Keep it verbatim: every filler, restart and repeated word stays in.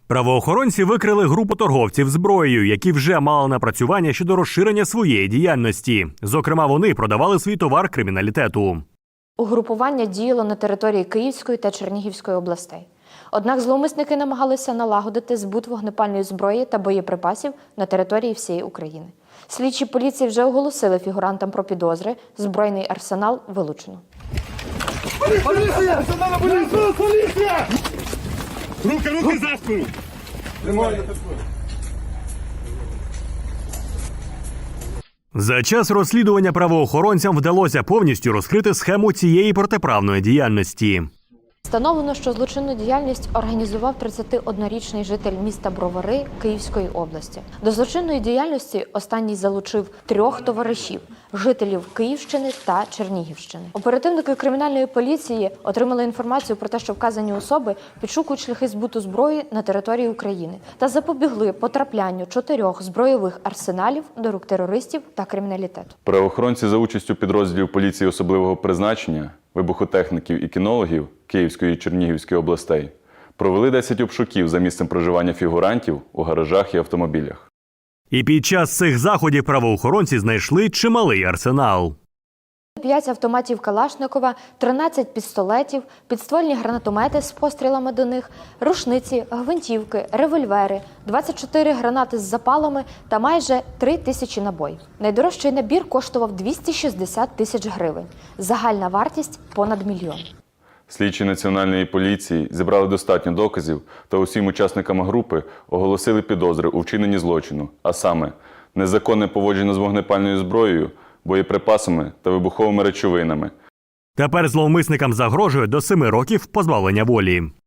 Правоохоронці викрили групу торговців зброєю, які вже мали напрацювання щодо розширення своєї діяльності. Зокрема, вони продавали свій товар криміналітету. Угрупування діяло на території Київської та Чернігівської областей. Однак зловмисники намагалися налагодити збут вогнепальної зброї та боєприпасів на території всієї України. Слідчі поліції вже оголосили фігурантам про підозри. Збройний арсенал вилучено. Поліція! Поліція! Поліція! Руки, руки за спину! За час розслідування правоохоронцям вдалося повністю розкрити схему цієї протиправної діяльності. Встановлено, що злочинну діяльність організував тридцятиоднорічний житель міста Бровари Київської області. До злочинної діяльності останній залучив трьох товаришів – жителів Київщини та Чернігівщини. Оперативники кримінальної поліції отримали інформацію про те, що вказані особи підшукують шляхи збуту зброї на території України та запобігли потраплянню чотирьох збройових арсеналів до рук терористів та криміналітету. Правоохоронці за участю підрозділів поліції особливого призначення, вибухотехніків і кінологів Київської і Чернігівської областей провели десять обшуків за місцем проживання фігурантів у гаражах і автомобілях. І під час цих заходів правоохоронці знайшли чималий арсенал. п'ять автоматів Калашникова, тринадцять пістолетів, підствольні гранатомети з пострілами до них, рушниці, гвинтівки, револьвери, двадцять чотири гранати з запалами та майже три тисячі набоїв. Найдорожчий набір коштував двісті шістдесят тисяч гривень. Загальна вартість – понад мільйон. Слідчі Національної поліції зібрали достатньо доказів та усім учасникам групи оголосили підозри у вчиненні злочину, а саме незаконне поводження з вогнепальною зброєю, боєприпасами та вибуховими речовинами. Тепер зловмисникам загрожує до семи років позбавлення волі.